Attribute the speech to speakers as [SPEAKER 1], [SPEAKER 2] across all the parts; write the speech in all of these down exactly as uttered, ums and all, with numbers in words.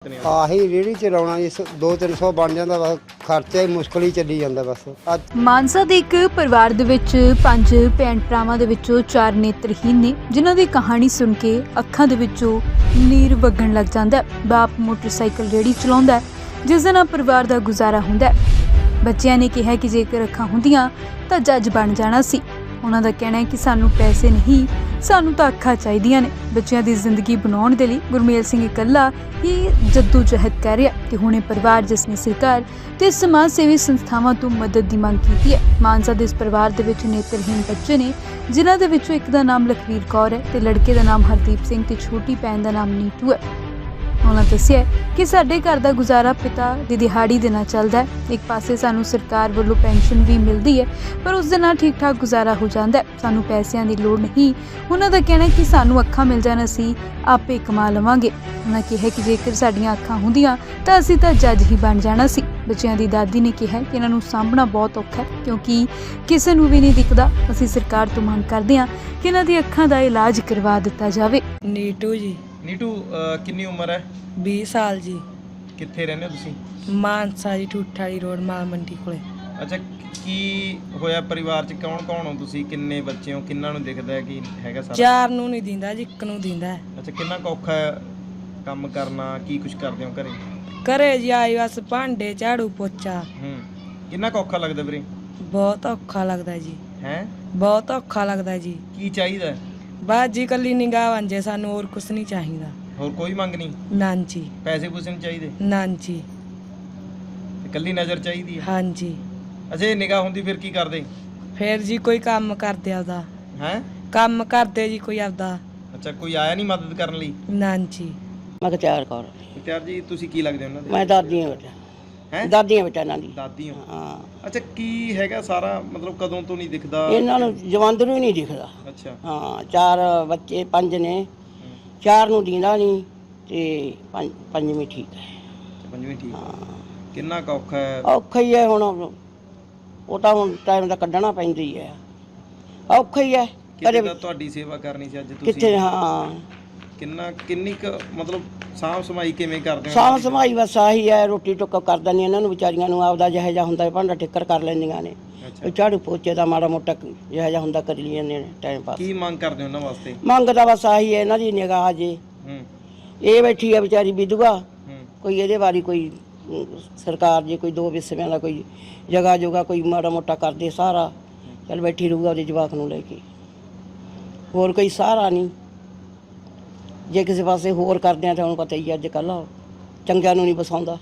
[SPEAKER 1] ਨੇ?
[SPEAKER 2] ਆਹੀ ਰੇਹੜੀ ਚਲਾਉਣਾ ਜੀ, ਦੋ ਤਿੰਨ ਸੌ ਬਣ ਜਾਂਦਾ ਬਸ, ਖਰਚਾ ਹੀ ਮੁਸ਼ਕਲ ਹੀ ਚੱਲੀ ਜਾਂਦਾ ਬਸ। ਅੱਜ
[SPEAKER 3] ਮਾਨਸਾ ਦੇ ਇੱਕ ਪਰਿਵਾਰ ਦੇ ਵਿੱਚ ਪੰਜ ਭੈਣ ਭਰਾਵਾਂ ਦੇ ਵਿੱਚੋਂ ਚਾਰ ਨੇਤਰਹੀਨ ਨੇ, ਜਿਨ੍ਹਾਂ ਦੀ ਕਹਾਣੀ ਸੁਣ ਕੇ ਅੱਖਾਂ ਦੇ ਵਿੱਚੋਂ ਨੀਰ ਵਗਣ ਲੱਗ ਜਾਂਦਾ ਹੈ। ਬਾਪ ਮੋਟਰਸਾਈਕਲ ਰੇਹੜੀ ਚਲਾਉਂਦਾ ਹੈ, ਜਿਸ ਦੇ ਨਾਲ ਪਰਿਵਾਰ ਦਾ ਗੁਜ਼ਾਰਾ ਹੁੰਦਾ ਹੈ। ਬੱਚਿਆਂ ਨੇ ਕਿਹਾ ਕਿ ਜੇਕਰ ਅੱਖਾਂ ਹੁੰਦੀਆਂ ਤਾਂ ਜੱਜ ਬਣ ਜਾਣਾ ਸੀ। ਉਹਨਾਂ ਦਾ ਕਹਿਣਾ ਹੈ ਕਿ ਸਾਨੂੰ ਪੈਸੇ ਨਹੀਂ, ਸਾਨੂੰ ਤਾਂ ਅੱਖਾਂ ਚਾਹੀਦੀਆਂ ਨੇ। ਬੱਚਿਆਂ ਦੀ ਜ਼ਿੰਦਗੀ ਬਣਾਉਣ ਦੇ ਲਈ ਗੁਰਮੇਲ ਸਿੰਘ ਇਕੱਲਾ ਹੀ ਜੱਦੋ ਜਹਿਦ ਕਰ ਰਿਹਾ ਤੇ ਹੁਣੇ ਪਰਿਵਾਰ ਜਿਸ ਨੇ ਸਰਕਾਰ ਤੇ ਸਮਾਜ ਸੇਵੀ ਸੰਸਥਾਵਾਂ ਤੋਂ ਮਦਦ ਦੀ ਮੰਗ ਕੀਤੀ ਹੈ। ਮਾਨਸਾ ਦੇ ਇਸ ਪਰਿਵਾਰ ਦੇ ਵਿੱਚ ਨੇਤਰਹੀਨ ਬੱਚੇ ਨੇ, ਜਿਨ੍ਹਾਂ ਦੇ ਵਿੱਚੋਂ ਇੱਕ ਦਾ ਨਾਮ ਲਖਵੀਰ ਕੌਰ ਹੈ ਤੇ ਲੜਕੇ ਦਾ ਨਾਮ ਹਰਦੀਪ ਸਿੰਘ ਤੇ ਛੋਟੀ ਭੈਣ ਦਾ ਨਾਮ ਨੀਟੂ ਹੈ। ਉਹਨਾਂ ਦੱਸਿਆ ਕਿ ਸਾਡੇ ਘਰ ਦਾ ਗੁਜ਼ਾਰਾ ਪਿਤਾ ਦੀ ਦਿਹਾੜੀ ਦੇ ਨਾਲ ਚੱਲਦਾ ਹੈ। ਇੱਕ ਪਾਸੇ ਸਾਨੂੰ ਸਰਕਾਰ ਵੱਲੋਂ ਪੈਨਸ਼ਨ ਵੀ ਮਿਲਦੀ ਹੈ, ਪਰ ਉਸ ਦੇ ਨਾਲ ਠੀਕ ਠਾਕ ਗੁਜ਼ਾਰਾ ਹੋ ਜਾਂਦਾ ਹੈ। ਸਾਨੂੰ ਪੈਸਿਆਂ ਦੀ ਲੋੜ ਨਹੀਂ। ਉਹਨਾਂ ਦਾ ਕਹਿਣਾ ਕਿ ਸਾਨੂੰ ਅੱਖਾਂ ਮਿਲ ਜਾਣ, ਅਸੀਂ ਆਪੇ ਕਮਾ ਲਵਾਂਗੇ। ਉਹਨਾਂ ਕਿਹਾ ਕਿ ਜੇਕਰ ਸਾਡੀਆਂ ਅੱਖਾਂ ਹੁੰਦੀਆਂ ਤਾਂ ਅਸੀਂ ਤਾਂ ਜੱਜ ਹੀ ਬਣ ਜਾਣਾ ਸੀ। ਬੱਚਿਆਂ ਦੀ ਦਾਦੀ ਨੇ ਕਿਹਾ ਕਿ ਇਹਨਾਂ ਨੂੰ ਸਾਂਭਣਾ ਬਹੁਤ ਔਖਾ ਹੈ, ਕਿਉਂਕਿ ਕਿਸੇ ਨੂੰ ਵੀ ਨਹੀਂ ਦਿਖਦਾ। ਅਸੀਂ ਸਰਕਾਰ ਤੋਂ ਮੰਗ ਕਰਦੇ ਹਾਂ ਕਿ ਇਹਨਾਂ ਦੀ ਅੱਖਾਂ ਦਾ ਇਲਾਜ ਕਰਵਾ ਦਿੱਤਾ ਜਾਵੇ।
[SPEAKER 4] ਨੀਟੂ ਜੀ।
[SPEAKER 1] ਨੀਟੂ ਕਿੰਨੀ ਉਮਰ ਹੈ?
[SPEAKER 4] ਵੀਹ ਸਾਲ ਜੀ।
[SPEAKER 1] ਕਿੱਥੇ ਰਹਿੰਦੇ ਹੋ ਤੁਸੀਂ?
[SPEAKER 4] ਮਾਨਸਾ ਜੀ, ਠੂਠ ਵਾਲੀ ਰੋਡ, ਮਾਲ ਮੰਡੀ ਕੋਲੇ।
[SPEAKER 1] ਅੱਛਾ, ਕੀ ਹੋਇਆ ਪਰਿਵਾਰ 'ਚ? ਕੌਣ ਕੌਣ ਹੋ ਤੁਸੀਂ? ਕਿੰਨੇ ਬੱਚੇ ਹੋ? ਕਿੰਨਾਂ ਨੂੰ ਦਿਖਦਾ ਹੈ ਕਿ ਹੈਗਾ ਸਾਰਾ?
[SPEAKER 4] ਚਾਰ ਨੂੰ ਨਹੀਂ ਦਿੰਦਾ ਜੀ, ਇੱਕ ਨੂੰ ਦਿੰਦਾ।
[SPEAKER 1] ਅੱਛਾ, ਕਿੰਨਾ ਕੁ ਔਖਾ ਹੈ ਕੰਮ ਕਰਨਾ? ਕੀ ਕੁਝ ਕਰਦੇ ਹੋ ਘਰੇ?
[SPEAKER 4] ਘਰੇ ਜੀ ਆਈ ਬਸ ਭਾਂਡੇ ਝਾੜੂ ਪੋਚਾ।
[SPEAKER 1] ਹੂੰ, ਕਿੰਨਾ ਕੁ ਔਖਾ ਲੱਗਦਾ ਵੀਰੇ?
[SPEAKER 4] ਬਹੁਤ ਔਖਾ ਲੱਗਦਾ ਜੀ।
[SPEAKER 1] ਹੈ
[SPEAKER 4] ਬਹੁਤ ਔਖਾ ਲੱਗਦਾ ਜੀ।
[SPEAKER 1] ਕੀ ਚਾਹੀਦਾ?
[SPEAKER 4] ਬਸ ਜੀ ਕੱਲੀ ਨਿਗਾਹ ਵਾਂਝੇ, ਸਾਨੂੰ ਹੋਰ ਕੁਝ ਨਹੀਂ ਚਾਹੀਦਾ।
[SPEAKER 1] ਹੋਰ ਕੋਈ ਮੰਗ ਨਹੀਂ?
[SPEAKER 4] ਨਾਂ ਜੀ।
[SPEAKER 1] ਪੈਸੇ ਪੂਸੇ ਨਹੀਂ ਚਾਹੀਦੇ?
[SPEAKER 4] ਨਾਂ ਜੀ।
[SPEAKER 1] ਤੇ ਇਕੱਲੀ ਨਜ਼ਰ ਚਾਹੀਦੀ ਹੈ?
[SPEAKER 4] ਹਾਂਜੀ।
[SPEAKER 1] ਅੱਛਾ, ਇਹ ਨਿਗਾਹ ਹੁੰਦੀ ਫਿਰ ਕੀ ਕਰਦੇ?
[SPEAKER 4] ਫਿਰ ਜੀ ਕੋਈ ਕੰਮ ਕਰਦੇ ਆਪਦਾ।
[SPEAKER 1] ਹੈ
[SPEAKER 4] ਕੰਮ ਕਰਦੇ ਜੀ ਕੋਈ ਆਪਦਾ।
[SPEAKER 1] ਅੱਛਾ, ਕੋਈ ਆਇਆ ਨਹੀਂ ਮਦਦ ਕਰਨ ਲਈ?
[SPEAKER 4] ਨਾਂ ਜੀ।
[SPEAKER 5] ਮਖਤਿਆਰ ਕੌਰ।
[SPEAKER 1] ਮੁਖਤਿਆਰ ਜੀ, ਤੁਸੀਂ ਕੀ ਲੱਗਦੇ ਹੋ ਉਹਨਾਂ ਦੇ?
[SPEAKER 5] ਮੈਂ ਦਾਦੀ ਹਾਂ ਬੇਟਾ।
[SPEAKER 1] ਹੈ
[SPEAKER 5] ਦਾਦੀ ਹਾਂ ਬੇਟਾ ਇਹਨਾਂ ਦੀ।
[SPEAKER 1] ਦਾਦੀ ਹੋ?
[SPEAKER 5] ਹਾਂ।
[SPEAKER 1] ਅੱਛਾ, ਕੀ ਹੈਗਾ ਸਾਰਾ ਮਤਲਬ ਕਦੋਂ ਤੋਂ ਨਹੀਂ ਦਿਖਦਾ?
[SPEAKER 5] ਇਹਨਾਂ ਨੂੰ ਜਵੰਦਰੂ ਹੀ ਨਹੀਂ ਦਿਖਦਾ।
[SPEAKER 1] ਅੱਛਾ।
[SPEAKER 5] ਹਾਂ, ਚਾਰ ਬੱਚੇ, ਪੰਜ ਨੇ, ਚਾਰ ਨੂੰ ਦਿੰਦਾ ਨਹੀਂ ਤੇ ਪੰਜ ਪੰਜਵੀਂ ਠੀਕ ਹੈ।
[SPEAKER 1] ਅੱਛਾ, ਪੰਜਵੀਂ ਠੀਕ।
[SPEAKER 5] ਹਾਂ,
[SPEAKER 1] ਕਿੰਨਾ ਕੁ ਔਖਾ ਹੈ?
[SPEAKER 5] ਔਖਾ ਹੀ ਹੈ ਹੁਣ, ਉਹ ਤਾਂ ਹੁਣ ਟਾਈਮ ਦਾ ਕੱਢਣਾ ਪੈਂਦੀ ਹੈ। ਔਖਾ ਹੀ ਹੈ।
[SPEAKER 1] ਕਿਤੇ ਤਾਂ ਤੁਹਾਡੀ ਸੇਵਾ ਕਰਨੀ ਸੀ ਅੱਜ ਤੁਸੀਂ।
[SPEAKER 5] ਕਿੱਥੇ? ਹਾਂ,
[SPEAKER 1] ਕਿੰਨਾ ਕਿੰਨੀ ਕੁ ਮਤਲਬ ਸਾਂਭ ਸਮਾਈ ਕਿਵੇਂ ਕਰਦੇ ਹੋ?
[SPEAKER 5] ਸਾਂਭ ਸੰਭਾਈ ਬਸ ਆਹੀ ਹੈ, ਰੋਟੀ ਟੁੱਕ ਕਰ ਦਿੰਦੀ ਇਹਨਾਂ ਨੂੰ ਵਿਚਾਰੀਆਂ ਨੂੰ, ਆਪਦਾ ਜਿਹੋ ਜਿਹਾ ਹੁੰਦਾ ਭਾਂਡਾ ਠਿੱਕਰ ਕਰ ਲੈਂਦੀਆਂ ਨੇ।
[SPEAKER 1] ਅੱਛਾ,
[SPEAKER 5] ਝਾੜੂ ਪੋਚੇ ਦਾ ਮਾੜਾ ਮੋਟਾ ਜਿਹੋ ਜਿਹਾ ਹੁੰਦਾ ਕਰ ਲੈਂਦੇ ਨੇ ਟਾਈਮ ਪਾਸ।
[SPEAKER 1] ਕੀ ਮੰਗ ਕਰਦੇ ਹੋ ਉਹਨਾਂ ਵਾਸਤੇ?
[SPEAKER 5] ਮੰਗ ਤਾਂ ਬਸ ਆਹੀ ਹੈ, ਇਹਨਾਂ ਦੀ ਨਿਗਾਹ ਜੇ।
[SPEAKER 1] ਹੂੰ
[SPEAKER 5] ਇਹ ਬੈਠੀ ਹੈ ਵਿਚਾਰੀ ਵਿਧਵਾ,
[SPEAKER 1] ਹੂੰ
[SPEAKER 5] ਕੋਈ ਇਹਦੇ ਬਾਰੇ ਕੋਈ ਅਮ, ਸਰਕਾਰ ਜੇ ਕੋਈ ਦੋ ਵਿਸਵਿਆਂ ਦਾ ਕੋਈ ਜਗ੍ਹਾ ਜੁਗਾ ਕੋਈ ਮਾੜਾ ਮੋਟਾ ਕਰਦੇ ਸਹਾਰਾ, ਚੱਲ ਬੈਠੀ ਰਹੂਗਾ ਉਹਦੇ ਜਵਾਕ ਨੂੰ ਲੈ ਕੇ। ਹੋਰ ਕੋਈ ਸਹਾਰਾ ਨਹੀਂ। ਜੇ ਕਿਸੇ ਪਾਸੇ ਹੋਰ ਕਰਦੇ ਆ ਤਾਂ ਉਹਨੂੰ ਪਤਾ ਹੀ ਅੱਜ ਕੱਲ੍ਹ ਚੰਗਿਆਂ ਨੂੰ ਨਹੀਂ ਬਸਾਉਂਦਾ।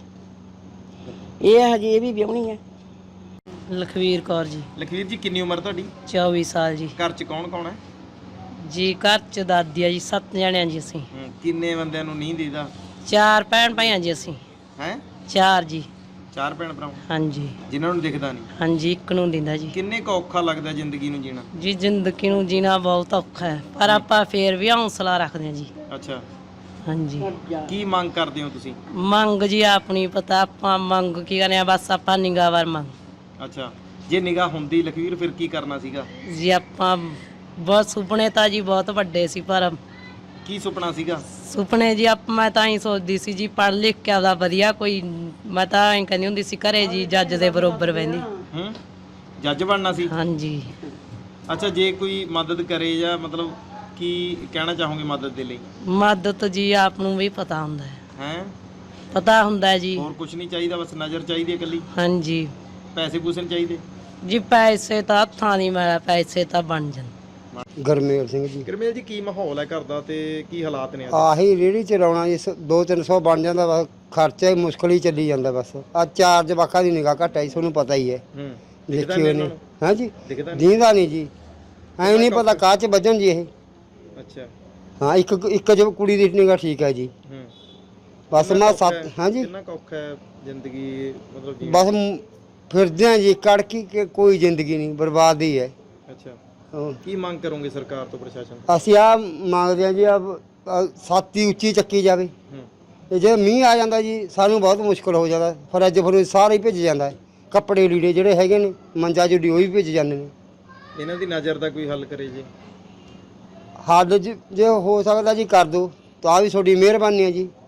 [SPEAKER 5] ਇਹ ਹਜੇ ਇਹ ਵੀ ਵਿਆਹੁਣੀ ਹੈ।
[SPEAKER 6] ਲਖਵੀਰ ਕੌਰ ਜੀ।
[SPEAKER 1] ਲਖਵੀਰ ਜੀ, ਕਿੰਨੀ ਉਮਰ ਤੁਹਾਡੀ?
[SPEAKER 6] ਚੌਵੀ ਸਾਲ ਜੀ।
[SPEAKER 1] ਘਰ 'ਚ ਕੌਣ ਕੌਣ ਹੈ?
[SPEAKER 6] ਜੀ ਘਰ ਚ ਦਾਦੀ ਆ ਜੀ, ਸੱਤ ਜਣਿਆਂ ਜੀ ਅਸੀਂ।
[SPEAKER 1] ਹੂੰ, ਕਿੰਨੇ ਬੰਦਿਆਂ ਨੂੰ ਨਹੀਂ ਦੇਦਾ?
[SPEAKER 6] ਚਾਰ ਭੈਣ ਭਾਈਆਂ ਜੀ ਅਸੀਂ।
[SPEAKER 1] ਹੈ
[SPEAKER 6] ਚਾਰ ਜੀ।
[SPEAKER 1] ਚਾਰ ਭੈਣ ਭਰਾ
[SPEAKER 6] ਹਾਂਜੀ
[SPEAKER 1] ਜਿਨ੍ਹਾਂ ਨੂੰ ਦਿਖਦਾ ਨਹੀਂ?
[SPEAKER 6] ਹਾਂਜੀ, ਇੱਕ ਨੂੰ ਦਿੰਦਾ ਜੀ।
[SPEAKER 1] ਕਿੰਨੇ ਕੁ ਔਖਾ ਲੱਗਦਾ ਜ਼ਿੰਦਗੀ ਨੂੰ ਜੀਣਾ?
[SPEAKER 6] ਜੀ ਜ਼ਿੰਦਗੀ ਨੂੰ ਜੀਣਾ ਬਹੁਤ ਔਖਾ ਹੈ, ਪਰ ਆਪਾਂ ਫੇਰ ਵੀ ਹੌਸਲਾ ਰੱਖਦੇ ਹਾਂ ਜੀ।
[SPEAKER 1] ਅੱਛਾ,
[SPEAKER 6] ਹਾਂਜੀ।
[SPEAKER 1] ਕੀ ਮੰਗ ਕਰਦੇ ਹੋ ਤੁਸੀਂ?
[SPEAKER 6] ਮੰਗ ਜੀ ਆਪਣੀ ਪਤਾ, ਆਪਾਂ ਮੰਗ ਕੀ ਕਰਨੇ ਆ, ਬਸ ਆਪਾਂ ਨਿਗਾਹ ਵਾਰ ਮੰਗ।
[SPEAKER 1] ਅੱਛਾ, ਜੇ ਨਿਗਾਹ ਹੁੰਦੀ ਲਖਵੀਰ ਫਿਰ ਕੀ ਕਰਨਾ ਸੀਗਾ?
[SPEAKER 6] ਜੀ ਆਪਾਂ ਬਹੁਤ ਸੁਪਨੇ ਤਾਂ ਜੀ ਬਹੁਤ ਵੱਡੇ ਸੀ, ਪਰ
[SPEAKER 1] ਕੀ ਸੁਪਨਾ ਸੀਗਾ?
[SPEAKER 6] ਸੁਪਨੇ ਜੀ ਆਪ ਮੈਂ ਤਾਂ ਹੀ ਸੋਚਦੀ ਸੀ ਜੀ, ਪੜ੍ਹ ਲਿਖ ਕੇ ਆਪਦਾ ਵਧੀਆ ਕੋਈ, ਮੈਂ ਤਾਂ ਐਂ ਕਹਿੰਦੀ ਹੁੰਦੀ ਸੀ ਘਰੇ ਜੀ ਜੱਜ ਦੇ ਬਰੋਬਰ ਬਹਿੰਦੀ।
[SPEAKER 1] ਹੂੰ, ਜੱਜ ਬਣਨਾ ਸੀ?
[SPEAKER 6] ਹਾਂਜੀ।
[SPEAKER 1] ਅੱਛਾ, ਜੇ ਕੋਈ ਮਦਦ ਕਰੇ ਜਾਂ ਮਤਲਬ ਕੀ ਕਹਿਣਾ ਚਾਹੋਗੇ ਮਦਦ ਦੇ ਲਈ?
[SPEAKER 6] ਮਦਦ ਜੀ ਆਪ ਨੂੰ ਵੀ ਪਤਾ ਹੁੰਦਾ ਹੈ।
[SPEAKER 1] ਹੈ
[SPEAKER 6] ਪਤਾ ਹੁੰਦਾ ਹੈ ਜੀ।
[SPEAKER 1] ਹੋਰ ਕੁਝ ਨਹੀਂ ਚਾਹੀਦਾ, ਬਸ ਨਜ਼ਰ ਚਾਹੀਦੀ ਹੈ ਇਕੱਲੀ?
[SPEAKER 6] ਹਾਂਜੀ।
[SPEAKER 1] ਪੈਸੇ ਪੂਸੇ ਨਹੀਂ ਚਾਹੀਦੇ?
[SPEAKER 6] ਜੀ ਪੈਸੇ ਤਾਂ ਹੱਥਾਂ ਦੀ ਮੈਲ, ਪੈਸੇ ਤਾਂ ਬਣ ਜਾਣ।
[SPEAKER 2] ਗੁਰਮੇਲ ਸਿੰਘ ਜੀ।
[SPEAKER 1] ਗੁਰਮੇਲ ਜੀ, ਕੀ ਮਾਹੌਲ ਹੈ ਘਰ ਦਾ ਤੇ ਕੀ ਹਾਲਾਤ ਨੇ?
[SPEAKER 2] ਆਹੀ ਰੇਹੜੀ ਚਲਾਉਣਾ ਜੀ, ਦੋ ਤਿੰਨ ਸੌ ਬਣ ਜਾਂਦਾ ਬਸ, ਖਰਚਾ ਹੀ ਮੁਸ਼ਕਲ ਹੀ ਚੱਲੀ ਜਾਂਦਾ ਬਸ। ਆ ਚਾਰ ਜਵਾਕਾਂ ਦੀ ਨਿਗਾਹ ਘੱਟ ਆਈ, ਤੁਹਾਨੂੰ ਪਤਾ ਹੀ ਹੈ।
[SPEAKER 1] ਹੂੰ,
[SPEAKER 2] ਦੇਖਿਓ ਨੇ। ਹਾਂਜੀ,
[SPEAKER 1] ਦਿਖਦਾ ਨਹੀਂ?
[SPEAKER 2] ਦੀਂਦਾ ਨਹੀਂ ਜੀ, ਐਂ ਨਹੀਂ ਪਤਾ ਕਾਹ 'ਚ ਵੱਜਣ ਜੀ ਇਹ।
[SPEAKER 1] ਅੱਛਾ।
[SPEAKER 2] ਹਾਂ, ਇੱਕ ਇੱਕ ਜੋ ਕੁੜੀ ਦੀ ਨਿਗਾਹ ਠੀਕ ਹੈ ਜੀ।
[SPEAKER 1] ਹੂੰ,
[SPEAKER 2] ਬਸ
[SPEAKER 1] ਕਿੰਨਾ
[SPEAKER 2] ਮੈਂ
[SPEAKER 1] ਕੁ ਔਖਾ
[SPEAKER 2] ਸੱਤ।
[SPEAKER 1] ਹੈ?
[SPEAKER 2] ਹਾਂਜੀ,
[SPEAKER 1] ਕਿੰਨਾ ਕੁ ਔਖਾ ਹੈ ਜ਼ਿੰਦਗੀ ਮਤਲਬ ਜੀਣਾ?
[SPEAKER 2] ਬਸ ਮ- ਫਿਰਦੇ ਆ ਜੀ, ਕੜਕੀ ਕਿ ਕੋਈ ਜ਼ਿੰਦਗੀ ਨਹੀਂ, ਬਰਬਾਦ ਹੀ ਹੈ।
[SPEAKER 1] ਅੱਛਾ,
[SPEAKER 2] ਹਾਂ।
[SPEAKER 1] ਕੀ ਮੰਗ ਕਰੋਗੇ ਸਰਕਾਰ ਤੋਂ, ਪ੍ਰਸ਼ਾਸਨ ਤੋਂ?
[SPEAKER 2] ਅਸੀਂ ਆ ਮੰਗਦੇ ਹਾਂ ਜੀ, ਆ ਛਾਤੀ ਉੱਚੀ ਚੱਕੀ ਜਾਵੇ।
[SPEAKER 1] ਹੂੰ,
[SPEAKER 2] ਤੇ ਜੇ ਮੀਂਹ ਆ ਜਾਂਦਾ ਜੀ, ਸਾਨੂੰ ਬਹੁਤ ਮੁਸ਼ਕਲ ਹੋ ਜਾਂਦਾ। ਫਰਿੱਜ ਫਰੂਜ ਸਾਰਾ ਹੀ ਭਿੱਜ ਜਾਂਦਾ ਹੈ। ਕੱਪੜੇ ਲੀੜੇ ਜਿਹੜੇ ਹੈਗੇ ਨੇ, ਮੰਜਾ ਜੁੜੀ ਉਹ ਵੀ ਭਿੱਜ ਜਾਂਦੇ ਨੇ।
[SPEAKER 1] ਇਹਨਾਂ ਦੀ ਨਜ਼ਰ ਦਾ ਕੋਈ ਹੱਲ ਕਰੇ ਜੀ?
[SPEAKER 2] ਹੱਲ ਜ- ਜੇ ਹੋ ਸਕਦਾ ਜੀ ਕਰ ਦਿਓ ਤਾਂ ਵੀ ਤੁਹਾਡੀ ਮਿਹਰਬਾਨੀ ਹੈ ਜੀ।